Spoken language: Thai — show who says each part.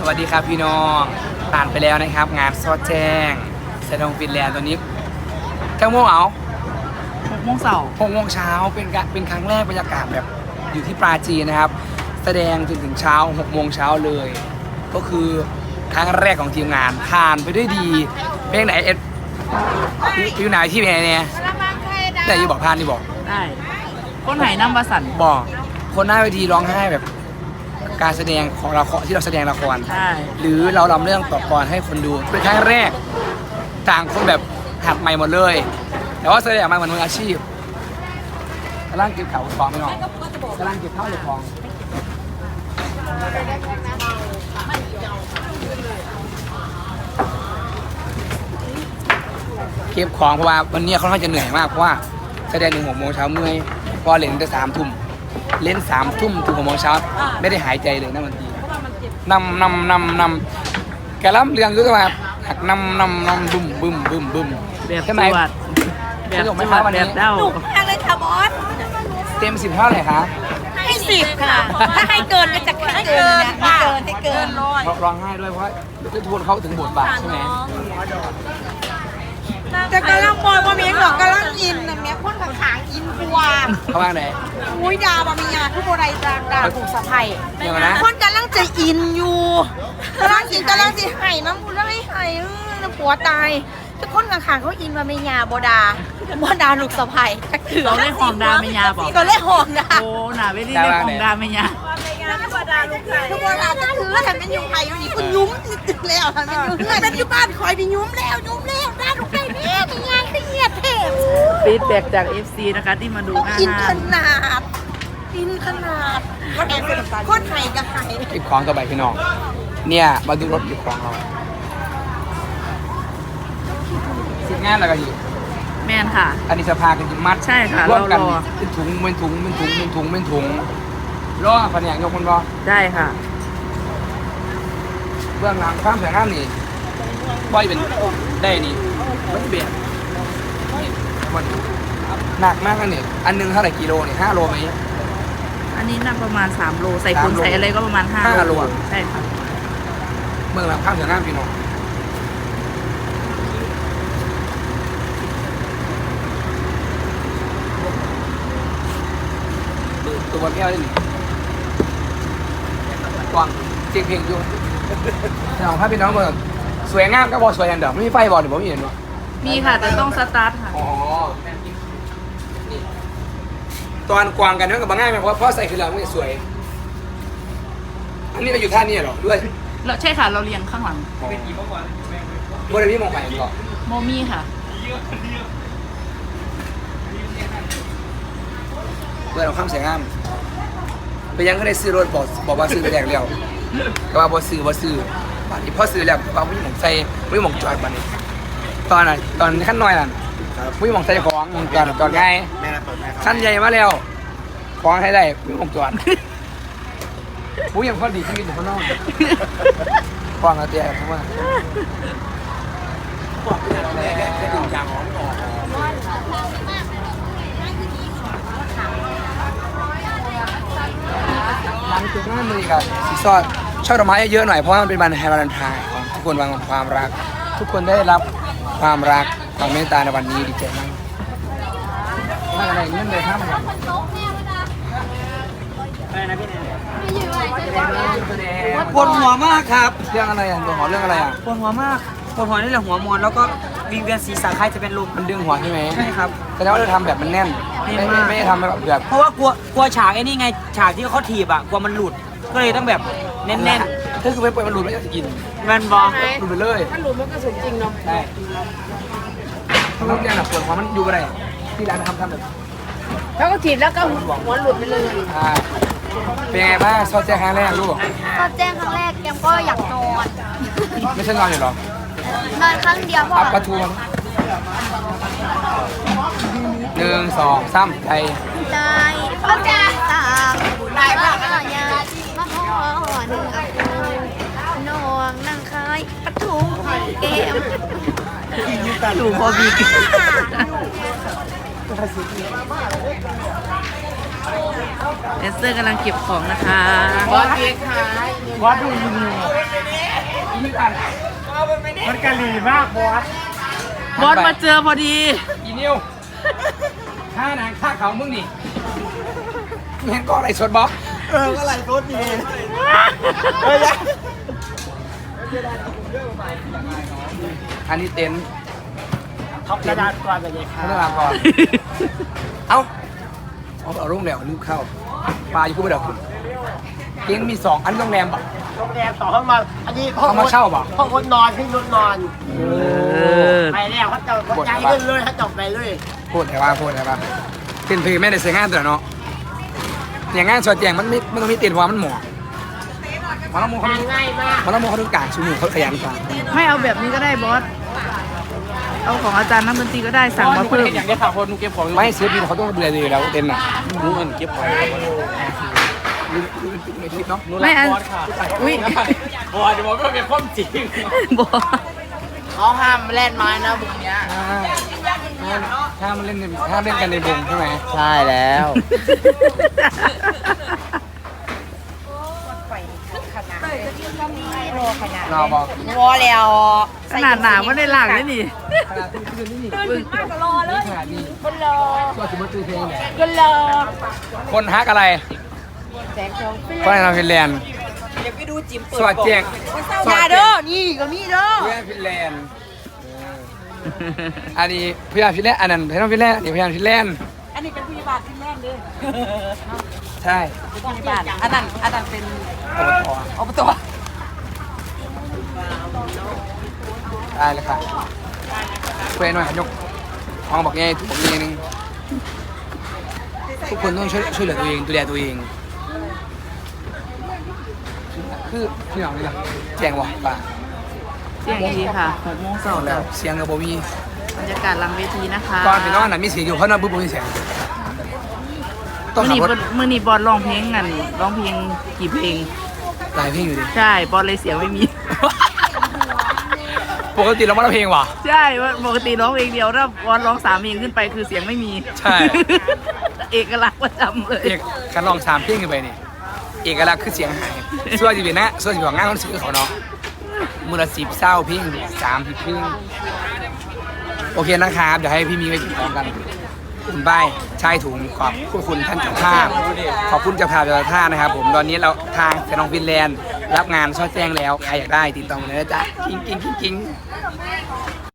Speaker 1: วัสดีครับพี่น้องผ่านไปแล้วนะครับงานซอดแจ้งแสดงฟินแลนด์ตัวนี้9 โมงเอา
Speaker 2: 6 โมงเช้า
Speaker 1: 6 โมงเช้าเป็นครั้งแรกบรรยากาศแบบอยู่ที่ปราจีนนะครับแสดงจนถึงเช้า6 โมงเช้าเลย ก็คือครั้งแรกของทีมงานผ่านไปด้วยดีเพลงไหนเอ็ดพี่ไหนที่เพลงเนี่ยแต่ยี่บอกผ่านที่บอก
Speaker 2: ได้คนไหนน้ำวสันต์
Speaker 1: บอกคนหน้าเวทีร้องไห้แบบการแสดงของเราที่เราแสดงละครหรือเราลำเรื่องต่อกรให้คนดูเป็นครั้งแรกต่างคนแบบหัดใหม่หมดเลยแต่ว่าแสดงมาเหมือนมืออาชีพกำลังเก็บเขาของไม่หรอกกำลังเก็บข้าวเก็บของเก็บของเพราะว่าวันนี้เขาค่อนข้างจะเหนื่อยมากเพราะว่าแสดง6 โมงเช้าเมื่อยพอเล่นแต่3 ทุ่มเล่น3 ทุ่มถึง6 โมงเช้าไม่ได้หายใจเลยนะบางทีนำกระลำเรืองก็จะมาหักนำบึ้ม
Speaker 2: แบบ
Speaker 1: ใช่ไหม
Speaker 2: แบบไม่มาวันนี้หนุก
Speaker 3: มากเลยค่ะบอส
Speaker 1: เต็ม10 เท่าไหร่คะ
Speaker 3: ให้10ค่ะถ้าให้เกินก็จะให้เกินนะให้เกิน
Speaker 1: ร้องไห้ด้วยเพราะจะทวนเขาถึงบทบาทใช่ไหม
Speaker 3: แต่กำลังบอลบะเมียหรอกกำลังอินนะเมียพ่นขางอินกว่า
Speaker 1: เขาว่าไหน
Speaker 3: อุ้ยดาบะเมียทุกโบราณดาถูกสะพายพ่นกำลังจะอินอยู่กำลังอินกำลังจะไห้น้ำมูลไม่ไห้ผัวตายทุกคนขางเขาอินบะเมียบดาลูกสะพาย
Speaker 2: เราเล่นหองดาเมียบอก
Speaker 3: เราเล่นหองดา
Speaker 2: โอ้หนาไม่ได้เล่นหองดาเมีย
Speaker 3: ทุกโบราณจะถือแล้วทำเป็นยุงไผ่อยู่นี่คุณยุ้มติดแล้วทำเป็นยุ้มเป็นยุ้มบ้านคอยไปยุ้มแล้วด้านลูกไก่แม่เป็นไงขึ้นเงียบเทพ
Speaker 2: ฟีดแบ็กจาก FC นะคะที่มาดูหน้า
Speaker 3: อินขนาดคนไทยกับไทย
Speaker 1: เก็บของต่อไปพี่น้องเนี่ยมาดูรถเก็บของเราสิงานอะไรกันอยู่
Speaker 2: แมนค่ะ
Speaker 1: อันนี้สภากันจิมัด
Speaker 2: ใช่ค่ะ
Speaker 1: ร่วมกันเป็นถุงรอแผนกยกคนรอ
Speaker 2: ได้ค่ะ
Speaker 1: เบื้องหลังความสวยงามนี่บ่อยเป็นได้นี่มันเบียดมันหนักมากนี่อันนึงเท่าไหร่กิโลนี่5 โลไหม
Speaker 2: อันนี้หนักประมาณ3 โลใส่คนใส่อะไรก็ประมาณ5 โลใช่ค่ะ
Speaker 1: เบื้องหลังความสวยงามพี่น้องตัวแก้วได้หนิกวางเจียงเพลงอยู่แต่ของพระพี่น้องเมืองสวยงามก็บอสวยอย่างเดิมไม่มีไฟบอลหรือผมเห็นวะ
Speaker 2: มีค่ะแต่ต้องสตาร์ทค่ะ
Speaker 1: อ๋อตอนกวางกันนั่นกับบางง่ายไหมเพราะใส่คือเราไม่สวยอันนี้เราอยู่ท่านี้หรอด้วย
Speaker 2: เราใช่ค่ะเราเรียงข้างหลัง
Speaker 1: บริเวณมองไปก่อน
Speaker 2: โมมี่ค่ะ
Speaker 1: เพื่อเราข้ามเสียงงามไปยังก็ได้ซื้อรถบอกว่าซื้อแรกแล้วก็ว่าบ่ซื้อบัดนี้พอซื้อแล้วว่าไม่หมองใส่ไม่หมองจอดบัดนี้ตอนขั้นน้อยน่ะไม่หมองใส่ของจอดง่ายขั้นใหญ่มาแล้วของให้ได้ไม่หมองจอดผู้ยังพอดีที่กินอยู่ข้างนอกฟังเอาเตี้ยเพราะว่าหลังจากนั้นเลยครับสีซอดช่อดอกไม้เยอะหน่อยเพราะว่ามันเป็นวันแฮปปี้วาเลนไทน์ของทุกคนวันของความรักทุกคนได้รับความรักความเมตตาในวันนี้ดีใจมากถ้าอะไรเงี้ยเลยครับปวดหัวมากครับเรื่องอะไรอ่ะปวดหัวเรื่องอะไรอ่ะ
Speaker 4: ปวดหัวมากปวดหัวนี่แหละหัวมอนแล้วก็วิงเวียนศีรษะคล้ายจะเป็นลม
Speaker 1: มันดึงหัวใช่ไหม
Speaker 4: ใช่ครับ
Speaker 1: แสดงว่าเราทำแบบมันแน่นไม่ได้ทำแบบ
Speaker 4: เพราะว่ากลัวฉากไอ้นี่ไงฉากที่เขาถีบอ่ะกลัวมันหลุดก็เลยต้องแบบแน่น
Speaker 1: ๆถ้าคือไม่ปล่อยมันหลุดไม่จะกิน
Speaker 4: มันบอ
Speaker 1: หลุดไปเลย
Speaker 3: มันหลุดมันก็สมจริงเนาะ
Speaker 1: ใช่ถ้าเราเนี่ยปวดหัวมันอยู่อะไรที่ร้านทำแบบ
Speaker 3: แล้วก็ถีบแล้วก็หัวหลุดไปเลย
Speaker 1: เป็นไงบ้างซอสแจ้งครั้งแรกลูก
Speaker 3: ซอสแจ้งครั้งแรกแกมก็อยากนอน
Speaker 1: ไม่ใช่นอนอยู่หรอน
Speaker 3: อนครั้งเดียว
Speaker 1: พอปะทู1 2 3ใจ
Speaker 3: เข้าใจต่างได้บ้างอะไรเนี่ยมาห่อหนึ่งนองนั่งคายปะทูเกม
Speaker 2: ดูพอบีกเอสเตอร์กำลังเก็บของนะคะ
Speaker 3: บอสเค้กค่ะ
Speaker 1: บอสดูยินที่กัน
Speaker 4: มันกะหรี่มากบอส
Speaker 2: บอสมาเจอพอดี
Speaker 1: อีนิวค่าหนังค่าเขามึงนี่เห็นก็อะไรสดบอส
Speaker 4: ก็ไหลรถดี
Speaker 1: อันนี้เต็นท์
Speaker 4: ท็อปกระดาษก่อนเลยครั
Speaker 1: พัฒนาก่อน เอ้าเอาโรงแรมนึกเข้าปลาอยู่คู่ไปเดี๋ยวคุณเต็นท์มี2 อันโรงแรมปะ
Speaker 4: โรงแรมต่อเข้ามาอันนี้
Speaker 1: เขามาเช่าปะ
Speaker 4: ห้องคนนอนที่รถนอน
Speaker 2: อ
Speaker 4: ไปแล้วเขาจะใจขึ้นเลยเขาจบไปเลย
Speaker 1: พูดแต่ว่าเป็นเพลงแม่ได้เสียงานแต่เนาะอย่างงานสวดแจงมันต้องมีเต็นท์เพราะว่ามันหมอมันต้องมูเขา
Speaker 4: ง่ายมาก
Speaker 1: มันต้องมูเขาต้องการชูมือเขาขยันกว่า
Speaker 2: ไม่เอาแบบนี้ก็ได้บอส เอาของอาจารย์นักดนตรีก็ได้สั่งมาเพิ่ม
Speaker 4: อย่างนี้ค่ะคนนูเก็บของ
Speaker 1: ไม่ศิลปินเขาต้องดูแลดีแล้วเต็นท์น่ะ
Speaker 4: นูเงินเก็บของ
Speaker 1: ในคลิปเนาะ
Speaker 2: ไม่อันอุ้ย
Speaker 4: บอสเดี๋ยวบอกว่าเป็นความจริง
Speaker 2: บอส
Speaker 3: เขาห้ามเล่นไม้นะบุกเนี้ย
Speaker 1: ห้ามเล่นกันในวงใช่ไหม
Speaker 4: ใช่แล้ว
Speaker 1: เราบอก
Speaker 3: วอแล้ว
Speaker 2: ขนาดหนาไม่ได้หลังเลยนี่
Speaker 1: ขนาดที่คืนนี่
Speaker 3: ตื่นมากก็รอเลย
Speaker 1: ขนาดนี้
Speaker 3: คนรอ
Speaker 1: ก็ถือว่าตื่นเพลงเนี่ย
Speaker 3: คนรอ
Speaker 1: คนฮักอะไร
Speaker 3: แสงทอง
Speaker 1: คนในฟินแลนด์
Speaker 3: เดี๋ยวไปดูจิ๋ม
Speaker 1: สวัสดีแจ้ง
Speaker 3: ยาเด้อนี่ก็มีเด้อ
Speaker 1: เพื่อนฟินแลนด์อันนี้พยานฟินแลนด์อันนั้นพยานฟินแลนด์อันนี้พยานฟินแลนด์
Speaker 3: อันนี้เป็นพยาบาลที่แรกเด้อ
Speaker 1: ใช่
Speaker 3: พยาบาลอันนั้นเป็น
Speaker 1: อบต
Speaker 3: อบต
Speaker 1: ได้เลยค่ะเพื่อนหน่อยยกมองบอกไงถูกบอกไงนึงทุกคนต้องช่วยเหลือตัวเองดูแลตัวเองคือพี่น้องนี่ล่ะแจ้งว่าป่า
Speaker 2: เที่ยงดีค่ะ6 โมงเสาร์
Speaker 1: แล้
Speaker 2: แล้ว ว
Speaker 1: เสียงกับโบมี
Speaker 2: บรรยากาศหลังเวทีนะคะ
Speaker 1: ก่อนไปนอนน่ะมีเสียงอยู่เพราะนอนปุ๊บมีเสียงต้อง
Speaker 2: มื่อ
Speaker 1: ขับ
Speaker 2: นี้
Speaker 1: รถ
Speaker 2: มื่อนี้บอสร้องเพลงกันร้องเพลงกี่เพลง
Speaker 1: หลายเพลงอยู่ดิ
Speaker 2: ใช่บอสเลยเสียงไม่มี
Speaker 1: ปกติเราไม่ร้องเพลงว่ะ
Speaker 2: ใช่ว่าปกติร้องเพลงเดียวถ้าบอสร้อง3 เพลงขึ้นไปคือเสียงไม่มี
Speaker 1: ใช่
Speaker 2: เอกลักษณ์ประจำเลย
Speaker 1: เอกการลอง3เพลงขึ้นไปนี่เอกลักษณ์คือเสียงหายส่วนที่เป็นนะส่วนที่ของงานคอนเสิร์ตเขาเนาะมือละ10เศร้าเพลง30เพลงโอเคนะครับเดี๋ยวให้พี่มีไว้กินของกันคุณป้ายชายถุงขอบคุณท่านเจ้าภาพขอบคุณเจ้าภาพเจ้าท่านะครับผมตอนนี้เราทางแฟนน้องฟินแลนด์รับงานซอดแจ้งแล้วใครอยากได้ติดต่อมาเลยนะจ๊ะกิ้ง